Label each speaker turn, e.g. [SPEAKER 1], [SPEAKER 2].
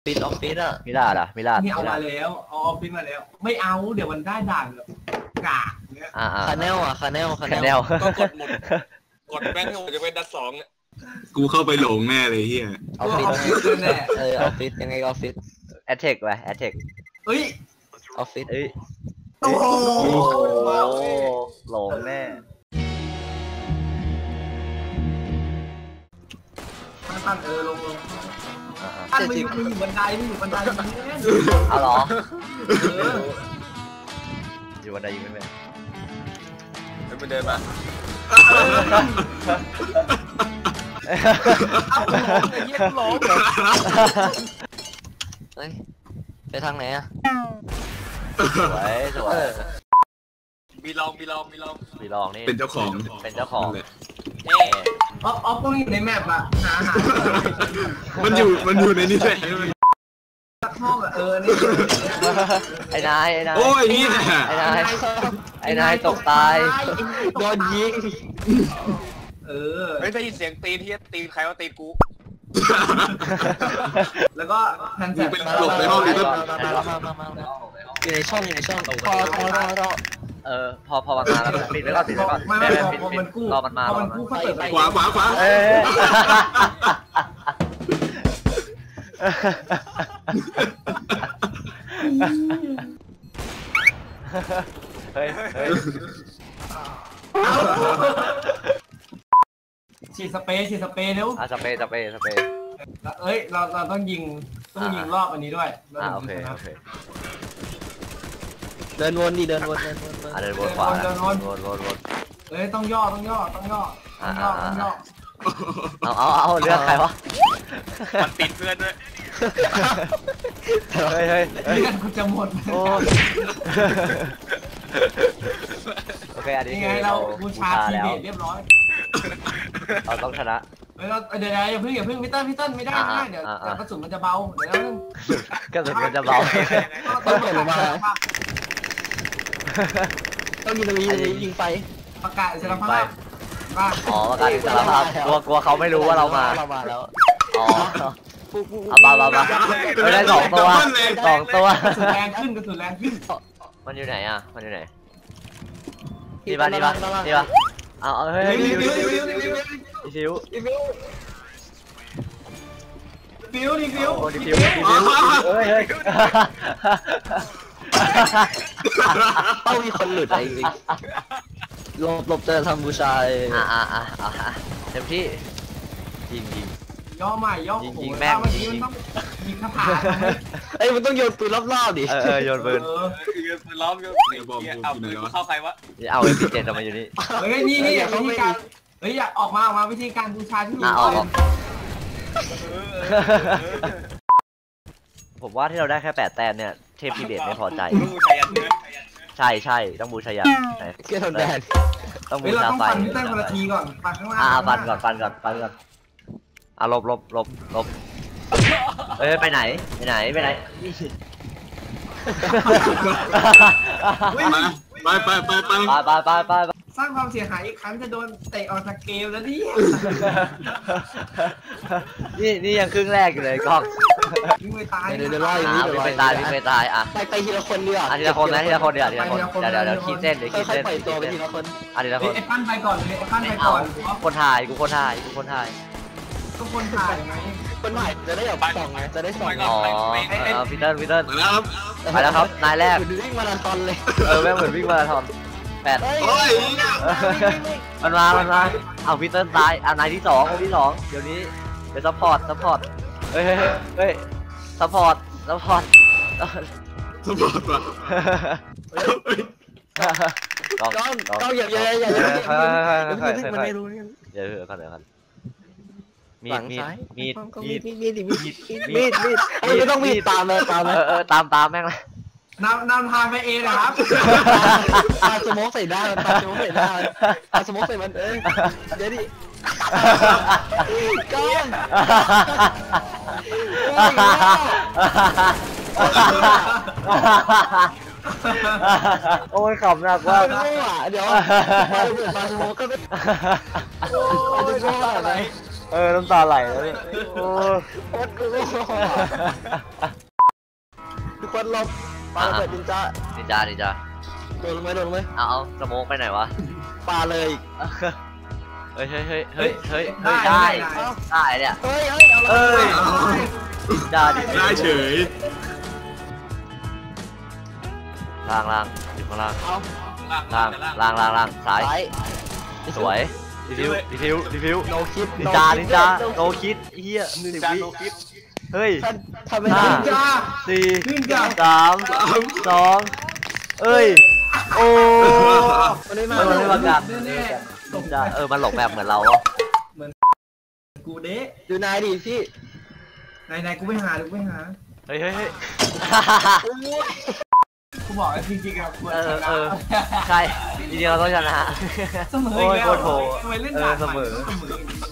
[SPEAKER 1] ฟิศออฟฟิศอะ
[SPEAKER 2] มิลาดอะมิลาด
[SPEAKER 3] นี่เอามาแล้วเอาออฟฟิศมาแล้ว ไม่เอาเดี๋ยวมันได้ด่านแบบกากเนี้ย
[SPEAKER 1] คาแนลอะคาแนล
[SPEAKER 4] ก็กดหมดกดแม่งให้หมดจะเป็นดัด2เนี่ย
[SPEAKER 5] กูเข้าไปหลงแน่เลยเฮีย
[SPEAKER 1] ออฟฟิศแน่ออฟฟิศยังไงออฟฟิศ
[SPEAKER 2] แอตเทคไปแอตเทค
[SPEAKER 3] เอ้ย
[SPEAKER 1] ออฟฟิศ
[SPEAKER 3] โอ้โห
[SPEAKER 2] หลงแน่
[SPEAKER 3] ตั้งลงตั้งไม่อยู่บันไดไม่อยู่บันได
[SPEAKER 2] เอาหรออยู่บันไดยิงไม่เป็น
[SPEAKER 4] ไม่เดินมา
[SPEAKER 3] เอาหลงไอ้เหี้ยหลง
[SPEAKER 1] เฮ้ยไปทางไหนอะ
[SPEAKER 2] สวย
[SPEAKER 4] มีลอง
[SPEAKER 2] นี่
[SPEAKER 5] เป็นเจ้าของ
[SPEAKER 3] ออฟต้องอยู่ในแมปอะหา
[SPEAKER 5] มันอยู่ในนี้แหละ
[SPEAKER 3] ห้องอะนี่
[SPEAKER 2] ไอ้นาย
[SPEAKER 5] โอ้ยนี่
[SPEAKER 2] ไอ้นายตกตาย
[SPEAKER 1] โดนยิง
[SPEAKER 4] ไม่ได้ยินเสียงตีนที่ตีนใครว่าตีนกู
[SPEAKER 3] แล้วก็แผ่นแสบ
[SPEAKER 5] เป็นหลบในห้องนี้ก็
[SPEAKER 1] อยู่ในช่อง
[SPEAKER 2] พอมันมาแล้วปิดไว้ก่อน
[SPEAKER 3] ไม่พอมันกู้
[SPEAKER 2] รอมันมา
[SPEAKER 5] ขวา
[SPEAKER 2] เฮ้ย
[SPEAKER 3] ฉีดสเปรย์เร็ว
[SPEAKER 2] สเปรย์
[SPEAKER 3] เอ้ยเราต้องยิงรอบอันนี้ด้วย
[SPEAKER 2] โอเค
[SPEAKER 1] เดินวนดิเดินวน
[SPEAKER 2] เดินวนขวาวน
[SPEAKER 3] เอ้ยต้องย่อเอา
[SPEAKER 2] เลือกใครวะ
[SPEAKER 4] มันติดเพื่อนด้วย
[SPEAKER 2] เฮ้ย
[SPEAKER 3] เลือดกูจะหมด
[SPEAKER 2] โอเคอันนี้
[SPEAKER 3] ไงเราบูชาทีเบตเรียบร้อย
[SPEAKER 2] เราต้องชนะ
[SPEAKER 3] เดี๋ยวอย่าเพิ่งพี่เติ้ลไม่ได้เดี๋ยวกระสุนมันจะเบาเดี๋ยว
[SPEAKER 2] กระสุนมันจะเบา
[SPEAKER 1] ต้องเปิดลงมาต้องยิงไฟ
[SPEAKER 3] ประกาศอิสรภาพ
[SPEAKER 2] ประกาศอิสรภาพกลัวเขาไม่รู้ว่าเรามา
[SPEAKER 1] แล้ว
[SPEAKER 2] เอามาไม่ได้2 ตัว
[SPEAKER 3] กระสุนแรงขึ้น
[SPEAKER 2] มันอยู่ไหนนี่ปะเอาเฮ้ยฟิวเฮ้ย
[SPEAKER 1] ต้องมีคนหลุดอะไรจริงหลบเจอทำบูชา
[SPEAKER 2] เต็มที่ยิง
[SPEAKER 3] ย่อใหม่
[SPEAKER 2] ยิงแม่ง
[SPEAKER 3] ยิงคาถา
[SPEAKER 1] มันต้องโยนปืนรอบๆดิ
[SPEAKER 2] โยนปืน
[SPEAKER 4] ล้อมเอาเข้าใครวะ
[SPEAKER 2] เอาMP7ทำไมอยู่นี่
[SPEAKER 3] เฮ้ยนี่วิธีการอยากออกมาวิธีการบูชาที่ถูก
[SPEAKER 2] ผมว่าที่เราได้แค่8 แต้มเนี่ยเทพพีเดชไม่พอใจใช่ต้องบูชายัน
[SPEAKER 1] เกี่ยวแดน
[SPEAKER 2] ต้องบูชาไฟ
[SPEAKER 3] พี่เต้นคนละทีก่อนฟันข้างล่าง
[SPEAKER 2] ฟันก่อนลบไปไหนไป
[SPEAKER 3] สร้างความเสียหายอีกครั้งจะโดนเตะออกจากเกมแล้ว
[SPEAKER 2] นี่ยังครึ่งแรกอยู่เลยกล้อง
[SPEAKER 3] วิ่งไปตาย
[SPEAKER 1] เดี๋ยววิ่งไป
[SPEAKER 2] ตาย
[SPEAKER 1] ไปทีละคนเดียว
[SPEAKER 2] ทีละคนเดี๋ยวขีดเส้น
[SPEAKER 1] ไปตัวไปทีละคน
[SPEAKER 2] ทีละคน
[SPEAKER 3] ไอ้ปั้นไปก่อน
[SPEAKER 2] คนถ่ายกูคนถ่าย
[SPEAKER 3] ก็คนถ่ายไง
[SPEAKER 1] คนถ่ายจะได้แบบส่องไงจะได้ส่อง
[SPEAKER 2] พีเตอร์ไปแล้วครับนายแรก
[SPEAKER 1] วิ่งมาราธอนเลย
[SPEAKER 2] แม่งเหมือนวิ่งมาราธอน8มันมาเอาพีเตอร์ตายนายที่2คนที่2เดี๋ยวนี้เดี๋ยวซัพพอร์ตเฮ้ยซัพพอร์ตว่ะ
[SPEAKER 1] ก็อย่ามันไม่รู้
[SPEAKER 2] เดี๋ยวกันมีด
[SPEAKER 1] ไม่ต้องมีดตามเลย
[SPEAKER 2] ตามแม่งเลย
[SPEAKER 3] นำทางไปเองนะครับ
[SPEAKER 1] ปาสโมกใส่หน้าปาสโมกใส่มันเดี๋ยวดิก้อน
[SPEAKER 2] โอ้ยขำหนักว่า
[SPEAKER 1] เดี๋ยวปาสโมกก็ไม่จะโง่อะไร
[SPEAKER 2] น้ำตาไหลแล้วเนี่ยโอ้
[SPEAKER 1] โคตรกูทุกคนหลบปาระเบิดนินจา
[SPEAKER 2] นินจานินจา
[SPEAKER 1] โดนลงไหมโดนลงไหม
[SPEAKER 2] เอาสโมกไปไหนวะ
[SPEAKER 1] ปาเลย
[SPEAKER 2] เฮ้ยได้เนี่ย
[SPEAKER 1] เฮ้ยเอา
[SPEAKER 2] ได้ดิ
[SPEAKER 5] ได้เฉย
[SPEAKER 2] ล่างอยู่ข้างล่าง
[SPEAKER 1] เอา
[SPEAKER 2] ล่างซ้าย
[SPEAKER 1] ซ้าย
[SPEAKER 2] สวยดีฟิว
[SPEAKER 1] โนคิด
[SPEAKER 2] นินจาโนคิดเฮีย
[SPEAKER 4] นิน
[SPEAKER 2] 10
[SPEAKER 4] จา
[SPEAKER 2] วิ
[SPEAKER 4] โนคิด
[SPEAKER 2] เฮ้ย
[SPEAKER 1] ทำไม่ได้
[SPEAKER 3] นินจา
[SPEAKER 2] สี่
[SPEAKER 3] นินจา
[SPEAKER 2] 3 2เอ้ยโอ้
[SPEAKER 1] มันไม่มา
[SPEAKER 2] มันไม่มากัด
[SPEAKER 3] แน่
[SPEAKER 2] นินจามันหลบแบบเหมือนเรา
[SPEAKER 3] ๆกูเด้
[SPEAKER 1] ดูนายดิพี่
[SPEAKER 3] ไหนๆกูไปหา
[SPEAKER 2] เฮ้ย
[SPEAKER 3] กูบอกจริงๆอะควรชนะ
[SPEAKER 2] ใช่จริงๆเราต้องชนะ
[SPEAKER 3] เสมอ
[SPEAKER 2] โอ้ย
[SPEAKER 3] อีก
[SPEAKER 2] โค
[SPEAKER 3] แล้ว
[SPEAKER 2] ตรโห
[SPEAKER 3] ทำไมเล่นด่าน
[SPEAKER 2] เสมอ
[SPEAKER 3] เสมอ